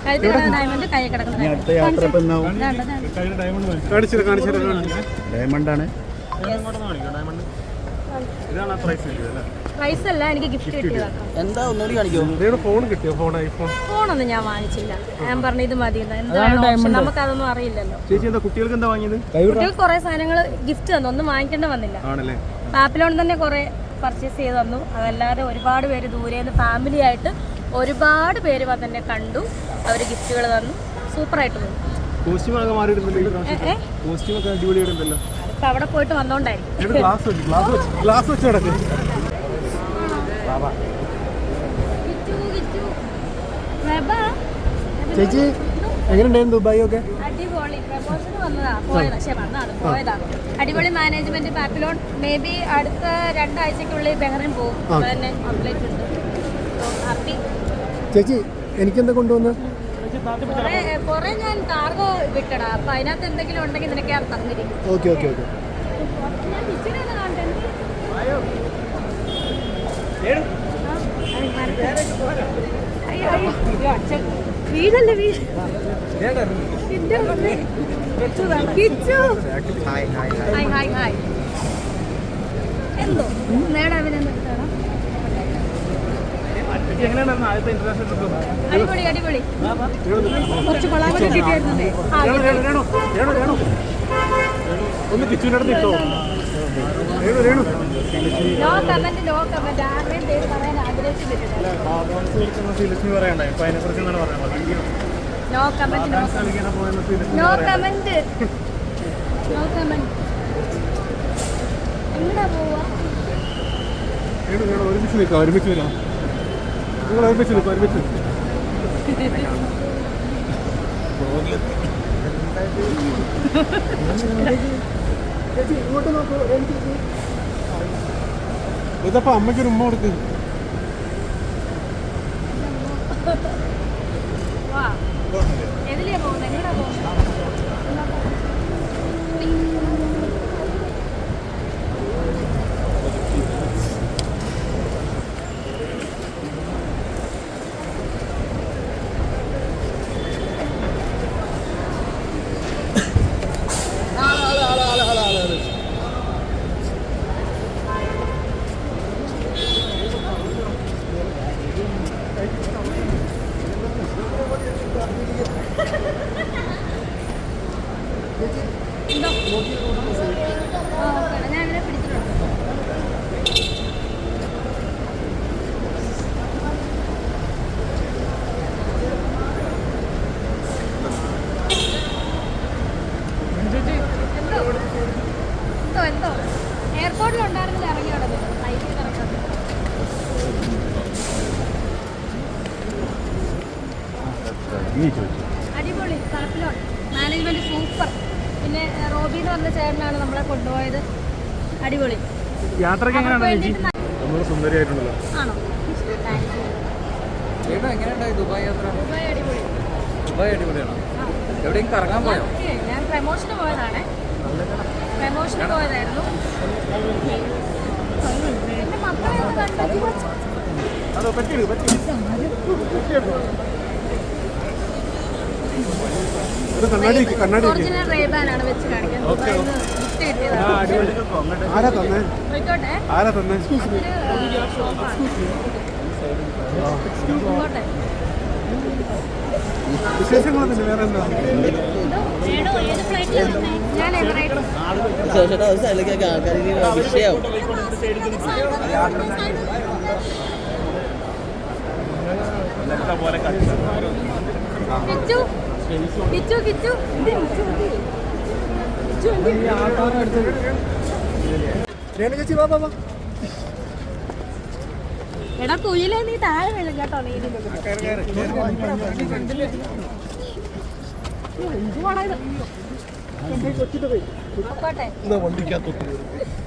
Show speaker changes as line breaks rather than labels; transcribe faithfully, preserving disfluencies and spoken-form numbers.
ഡയമണ്ടാണ്.
Price അല്ല, എനിക്ക് gift കിട്ടിയതാണ്.
എന്താ ഒന്നുകൂടി കാണിക്കോ? ഫോൺ കിട്ടിയോ? ഫോൺ ഐഫോൺ
ഫോണൊന്നും ഞാൻ വാങ്ങിച്ചില്ല. ഞാൻ പറഞ്ഞു ഇത് മതി. എന്താണ് നമുക്കതൊന്നും അറിയില്ലല്ലോ.
ചേച്ചി എന്താ കുട്ടികൾക്ക് എന്താ വാങ്ങിയത്?
കുട്ടികൾക്ക് കുറെ സാധനങ്ങൾ ഗിഫ്റ്റ് തന്നു. ഒന്നും വാങ്ങിക്കേണ്ട വന്നില്ല. പാപ്പിലോൺ തന്നെ കുറെ പർച്ചേസ് ചെയ്ത് തന്നു. അതല്ലാതെ ഒരുപാട് പേര് ദൂരേന്ന് ഫാമിലി ആയിട്ട് ഒരുപാട് പേര് വന്നെ കണ്ടു. അവർ ഗിഫ്റ്റുകൾ തന്നു. സൂപ്പറായിട്ട് പോയി. അപ്പൊ അവിടെ പോയിട്ട് വന്നോണ്ടായിരിക്കും.
ചേച്ചി എങ്ങനെയുണ്ടായിരുന്നു ദുബായ് ഒക്കെ?
അടിപൊളി. പ്രമോഷന് വന്നതാ, പോയതാ. പക്ഷെ വന്നതാണ് പോയതാണ്. അടിപൊളി മാനേജ്മെന്റ്. പാപ്പിലോൺ മേ ബി അടുത്ത രണ്ടാഴ്ചക്കുള്ളിൽ ബഹ്റിൻ പോകും. തന്നെ ഔട്ട്ലെറ്റ് ഉണ്ട്. ഹാപ്പി.
ചേച്ചി എനിക്കെന്താ കൊണ്ടുവന്ന്?
കൊറേ ഞാൻ കാർഗോ വിട്ടടാ. അപ്പൊ അതിനകത്ത് എന്തെങ്കിലും ഉണ്ടെങ്കിൽ നിനക്ക് ഞാൻ തന്നിരിക്കും.
Okay okay okay. വീടല്ലേ വീട്. എന്തോ നേടാവിനെന്താണ്? അടിപൊളി അടിപൊളി. കുറച്ച് കൊളാബറേറ്റ് കിട്ടിയായിരുന്നേ. ഒന്ന് കിച്ചൂനടുത്ത് ഇട്ടോ.
No comment no comment. ആരുടെയും പേര് പറയാൻ ആഗ്രഹിച്ചിട്ടില്ല. No comment no no comment no comment. എങ്ങടാ പോവാ?
ഒരുമിച്ച് നിൽക്കാം. ഒരുമിച്ച് വരാം. നിങ്ങൾ ഒരുമിച്ച് നിൽക്കാം. ഒരുമിച്ച് ഇങ്ങോട്ട് നോക്കൂ. ഇതപ്പോ അമ്മയ്ക്കൊരു ഉമ്മ കൊടുക്ക്.
എതിലെയാ പോകുന്നത്? എങ്ങടാ പോകുന്നത്? എയർപോർട്ടിലുണ്ടായിരുന്നില്ല. ഇറങ്ങി അവിടെ അടിപൊളി. Papillon management super. പിന്നെ റോബി എന്ന് പറഞ്ഞ ചേട്ടനാണ് നമ്മളെ കൊണ്ടുപോയത്. അടിപൊളി.
യാത്രയ്ക്ക് സുന്ദരിയായിട്ടുണ്ടല്ലോ.
ആണോ?
ദുബായ് യാത്ര?
ദുബായ് അടിപൊളി.
ദുബായ് അടിപൊളിയാണോ? എവിടെയും കറങ്ങാൻ പോയോ?
ഞാൻ പ്രമോഷന് പോയതാണേ. പ്രമോഷന് പോയതായിരുന്നു. എന്റെ മക്കളെ ഒന്ന് കണ്ടു. ഒറിജിനൽ റേബാനാണ് വെച്ച് കാണിക്കുന്നത്. ഗിഫ്റ്റ് കിട്ടിയതാണ്.
ആരാ തന്നെ? വിശേഷങ്ങളൊന്നും വേറെ എന്താ?
വിഷയാവും.
എടാ കുയിലേ, നീ താഴെ വീഴും കേട്ടോ. നീ എന്തുവാണത്?
വണ്ടിക്കകത്ത്